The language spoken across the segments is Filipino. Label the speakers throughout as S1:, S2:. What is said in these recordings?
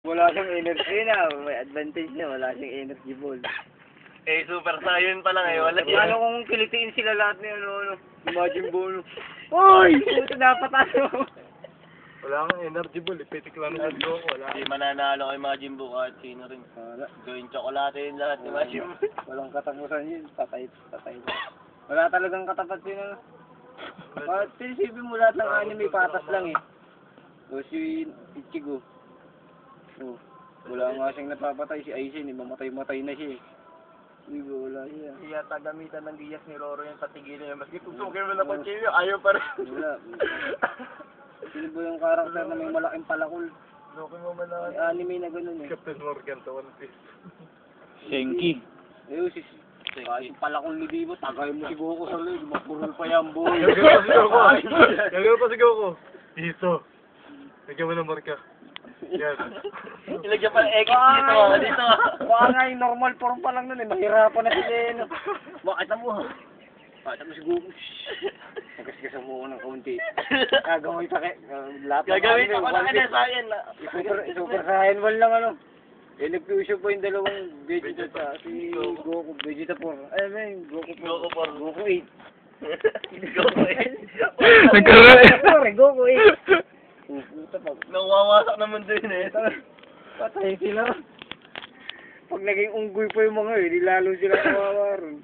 S1: Wala siyang energy na. May advantage niya. Wala siyang energy ball.
S2: Eh, Super Saiyan pa lang eh. Wala
S1: Ano kung kilitiin sila lahat na yun, Imagine ball. Uy! Puto dapat ano.
S3: Wala kang energy ball, ipitik lang ng ko, wala.
S2: Hindi mananalo kay Majin Buu kahit sino rin.
S1: Wala.
S2: Gawin tsokolate yun lahat ni Majin Buu.
S1: Walang katapusan yun. Patay. Wala talagang katapat yun, ano. Sinisipin mo lahat ng anime, patas lang eh. O si Ichigo. Oh, wala nga siyang napapatay. Si Aizen, mamatay-matay na siya eh. Hindi ba, wala siya.
S2: Kaya tagamitan ng giyas ni Roro yung patigilin niya. Maski tutukin mo na pagkilyo, ayaw pa rin.
S1: Wala. Sino ba yung karakter na may malaking palakol?
S2: Tutukin mo man na.
S1: May anime na ganun eh.
S3: Captain Morgan to One Piece.
S4: Senki.
S1: Eh, kahit yung palakol ni Divo, tagay mo si Goku sa leg. Mapurol pa yan, boy.
S3: Gagawin pa si Goku. Dito. Lagyan mo ng marka. Yan.
S2: Ilagyan pa ng X dito.
S1: Baka nga yung normal form pa lang nun eh. Mahirapan na sila eh. No? Bakit na mo ha? Bakit na mo si Goku? Nagasgas mo ng kaunti. Gagawin pa kayo.
S2: Gagawin pa ko na kanya sa akin.
S1: Super Saiyan 1 lang ano. Eh, nag-fusion po yung dalawang Vegeta sa si Goku. Vegeta 4. Ay, may Goku 4.
S2: Goku 4.
S1: Goku 8.
S2: Goku 8.
S4: Nagkaroon.
S1: Goku 8. Puta pa.
S2: Nawawasak naman din eh.
S1: Patay sila. Pag naging unggoy pa yung mga eh, di lalo sila kawawa ron.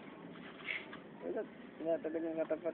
S1: Wala talagang katapat.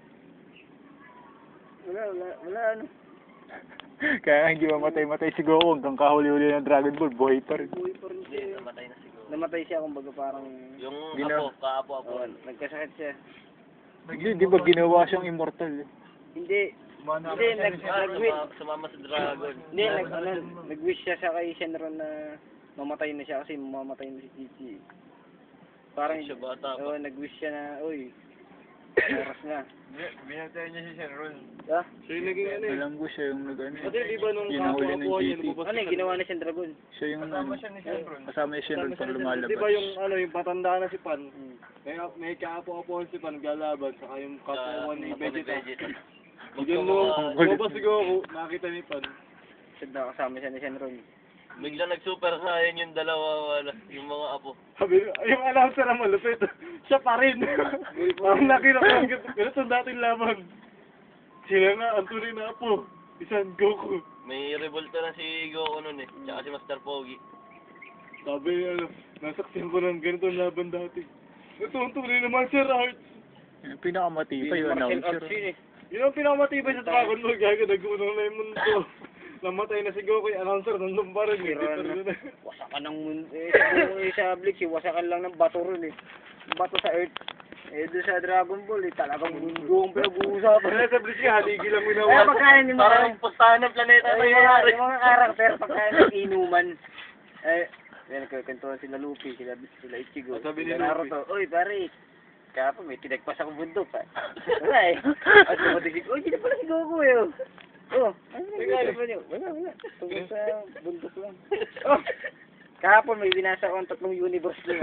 S1: Wala ano.
S4: Kaya hindi mamatay-matay si Goku hanggang kahuli-huli ng Dragon Ball, buhay pa rin.
S1: Buhay pa rin
S2: Hindi,
S1: siya.
S2: namatay na siguro.
S1: Namatay siya kumbaga parang...
S2: Yung
S4: Ginawa.
S2: kaapo-apo.
S1: Nagkasakit siya.
S4: Hindi, di ba ginawa siyang immortal eh?
S1: Hindi. Hindi,
S2: Sumama sa dragon.
S1: Hindi, nag-wish siya sa kay Shenron na mamatay na siya kasi mamamatay na si Chichi. Parang,
S2: Siya bata pa.
S1: nag-wish siya na, uy, oras na.
S3: Binatay niya si Shenron.
S1: Ha?
S3: Siya yung naging ano eh.
S4: Bilanggo siya yung nag-ano.
S3: Kasi di ba nung
S4: Yung nahuli ng
S3: kapwa niya,
S4: GT.
S3: lumabas
S1: Ano yung ginawa na siyang dragon?
S4: Siya yung
S3: Kasama siya ni Shenron.
S4: kasama ni Shenron pag lumalabas.
S3: Di ba yung ano, yung patanda na si Pan?
S1: Hmm.
S3: May kaapo-apo si Pan naglalaban, saka yung kapwa ni Vegeta.
S2: Vegeta.
S3: Bigyan mo, lumabas si Goku, nakita ni Pan.
S1: Siya nakasama siya ni Shenron.
S2: Bigla nag-super saiyan yung dalawa, yung mga apo.
S3: Sabi, yung announcer na malupit, siya pa rin. Ang nakita ko, ganito ang dating laban. Sila nga, ang tunay na apo. Isang Goku.
S2: May revolta na si Goku nun eh. Tsaka si Master Pogi.
S3: Sabi, nasaksihan ko ng ganito ang laban dati. Ito ang tunay na martial arts.
S4: Yung pinakamatibay yung
S1: Martial
S4: announcer.
S1: arts yun eh.
S3: Yun ang pinakamatibay sa Dragon Ball, gago, nag-unang na yung mundo. Namatay na si Goku, yung announcer, nandun pa rin.
S1: Wasakan ng mundo. Sa Bleach, wasakan lang ng bato rin eh. Bato sa Earth. Eh, doon sa Dragon Ball eh, talagang mundo ang pinag-uusapan.
S3: Sa Bleach nga, haligi lang
S1: Eh,
S3: minawa.
S1: pagkain yung mga...
S2: Parang pustahan ng planeta na nangyayari.
S1: Yung mga karakter, pagkain ng inuman. Eh, nagkakantuan sila Luffy, sila Ichigo,
S3: Sabi ni
S1: sila
S3: Luffy.
S1: Naruto. Uy, pare, kaya pa may tinagpas akong bundok pa. Wala eh. At dumating si, uy, sino pala si Goku eh. Oh, ano nangyari pa niyo? Wala. Tungkol sa bundok lang. Oh, kahapon may binasa akong 3 universe lang.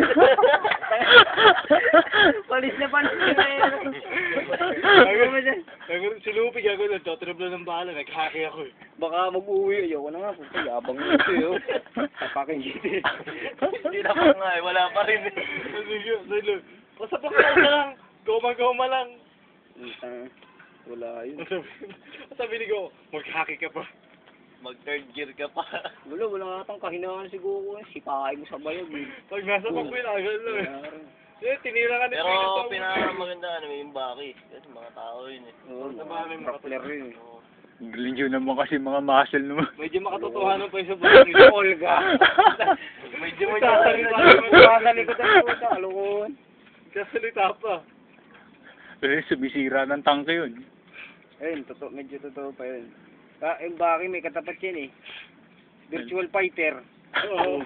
S1: Palis na
S3: Si Luffy, gago, nagtotrip lang ng bala, naghaki ako eh.
S1: Baka mag-uwi. Ayoko na nga. Puta, yabang nyo ito eh. Tapakin dito eh.
S2: Hindi na pa nga eh. Wala pa rin eh.
S3: Sige, basta pa ka lang, goma lang.
S1: Wala yun.
S3: Sabi ni Goku, maghaki ka pa.
S2: Mag-third gear ka pa.
S1: Wala atang kahinaan si Goku. Sipahin mo sa bayag eh.
S3: Pag nasa pagpil, agad lang eh. Tinira ka ni
S2: Pero pinakamaganda ano yung Baki. Kasi mga tao yun eh.
S1: Oo, grappler yun eh.
S4: Galing yun naman kasi mga muscle naman.
S3: Medyo makatotohanan pa yung sa buhay ni
S1: Olga.
S2: Medyo
S1: Magkakalikot ang puta. Alukon.
S3: Kasalita pa.
S4: Kasi sumisira ng tangke yun.
S1: Ayun, medyo totoo pa yun. Yung Baki may katapat yan eh. Virtual fighter.
S3: Oo.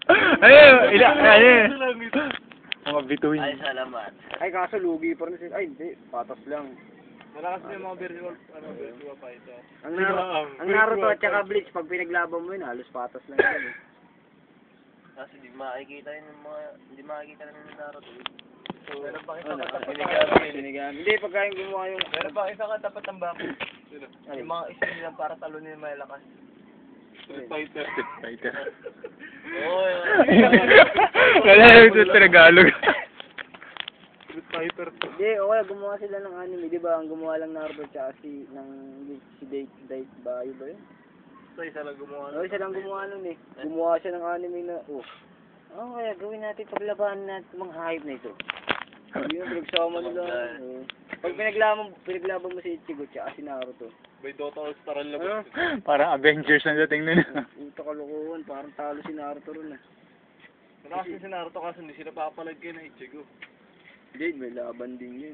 S4: Mga bituin.
S2: Ay, salamat.
S1: Ay, kaso lugi pa rin sila. Ay, hindi. Patas lang.
S3: Malakas na yung mga virtual pa ito.
S1: Ang Naruto at saka Bleach, pag pinaglaban mo yun, halos patas lang yun eh.
S2: Kasi hindi makikita yun ng mga... Hindi makikita rin ng Naruto. So, meron pa
S1: Ano,
S2: katapat
S1: sinigamin. Hindi, pagkain gumawa yung...
S2: Meron pa isa katapat ng Baki.
S1: Ay,
S2: Yung mga isa nilang para talunin yung malakas.
S3: Fighter.
S4: Street Fighter.
S2: Oo,
S4: Wala yung sa Tagalog.
S3: Street Fighter to.
S1: Hindi, okay, gumawa sila ng anime, di ba? Ang gumawa lang Naruto tsaka si Date Bayo ba yun?
S2: isa lang gumawa.
S1: Oo, siya lang gumawa nun eh. Gumawa siya ng anime na, kaya gawin natin paglabanan natin mga hype na ito. Yun, pinagsama nila. Oo. Pag pinaglaban mo si Ichigo tsaka si Naruto.
S3: May Dota All-Star ang labas.
S4: Parang Avengers na dating nun.
S1: Puta kalokohan, parang talo si Naruto ron ah.
S3: Kasi si Naruto kasi hindi sila papalag kayo na Ichigo.
S1: Hindi, may laban din yun.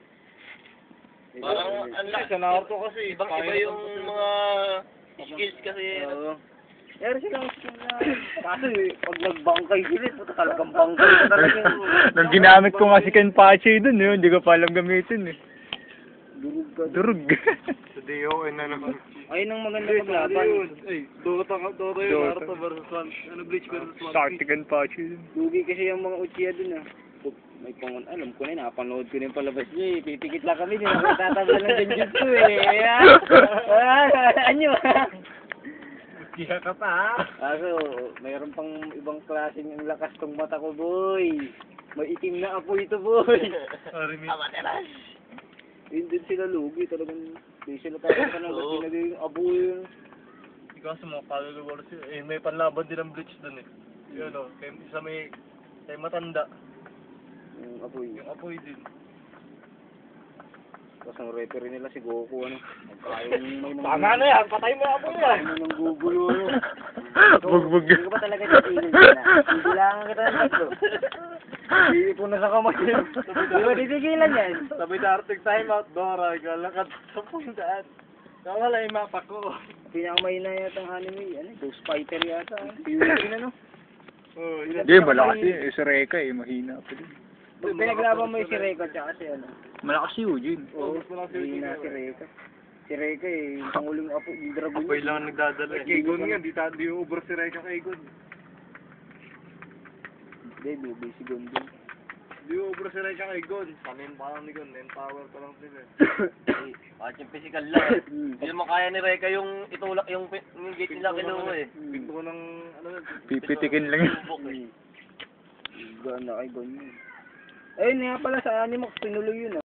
S2: Parang ang
S3: Kasi sa Naruto kasi,
S2: ibang-iba yung mga skills kasi.
S1: Oo. Meron silang skill na. Kaso pag nagbangkay sila, puta talagang bangkay na talaga.
S4: Nung ginamit ko nga si Kenpachi dun yun, hindi ko pa alam gamitin eh.
S1: Durug ka.
S4: Durug.
S3: sa DON na naman.
S1: Ayun ang maganda paglaban.
S3: Ay, Dota yun, Naruto versus One. Bleach versus One
S4: Sakti
S3: Piece.
S4: Kenpachi dun.
S1: Lugi kasi yung mga Uchiha dun ah. May pangon, alam ko na yun, napanood ko na yung palabas niya eh. Pipikit lang kami, di na kami tatabla ng genjutsu eh. Anyo.
S3: Kaya ka pa ha?
S1: Kaso, mayroon pang ibang klaseng ang lakas tong mata ko, boy. May itim na apo ito, boy.
S3: Sorry, Miss.
S2: Amaterash!
S1: Yun din sila lugi, talagang di sila talagang ba't pinagay yung abo yun.
S3: Ikaw sa mga kaluluwa sila. Eh, may panlaban din ang Bleach dun eh. Yun o, isa may matanda.
S1: Yung apoy.
S3: Yung apoy din.
S1: Tapos ang referee nila si Goku, ano. Magkayong may
S3: Tama na yan, patay mo yung apoy yan.
S1: Ano nang gugulo, ano.
S4: Bugbog.
S1: Hindi ko ba talaga titigil ka na? Tigilangan kita ng tatlo. Iipon na sa kamay yun. Hindi ko titigilan yan.
S3: Sabi na Arctic time out, Dora, galakad sa pundaan. Nawala yung mapa ko.
S1: Pinakamahina yata ang anime, ano, Ghost Fighter yata. Yun, ano.
S3: Oh,
S4: Hindi, malakas yun. Si Reka eh, mahina pa din.
S1: Pag pinaglaban mo yung si Reka tsaka si ano.
S4: Malakas si Eugene.
S1: Oo, mahina si Reka. Si Reka eh, yung panguling apo, yung dragon.
S3: apoy lang ang nagdadala eh. Kaygon nga, di ubra si Reka Kaygon.
S1: Hindi, lubi si Gondon.
S3: Di ubra si Reka Kaygon. Panin pa lang ni Gon, empower pa lang sila.
S2: Kahit yung physical lang eh. Hindi naman kaya ni Reka yung itulak yung gate nila kinuha eh.
S3: Pinto ko ng,
S4: Pipitikin lang yun.
S2: Subok eh.
S1: Gana kay Gondon. Ayun nga pala sa Animax, pinuloy yun ah.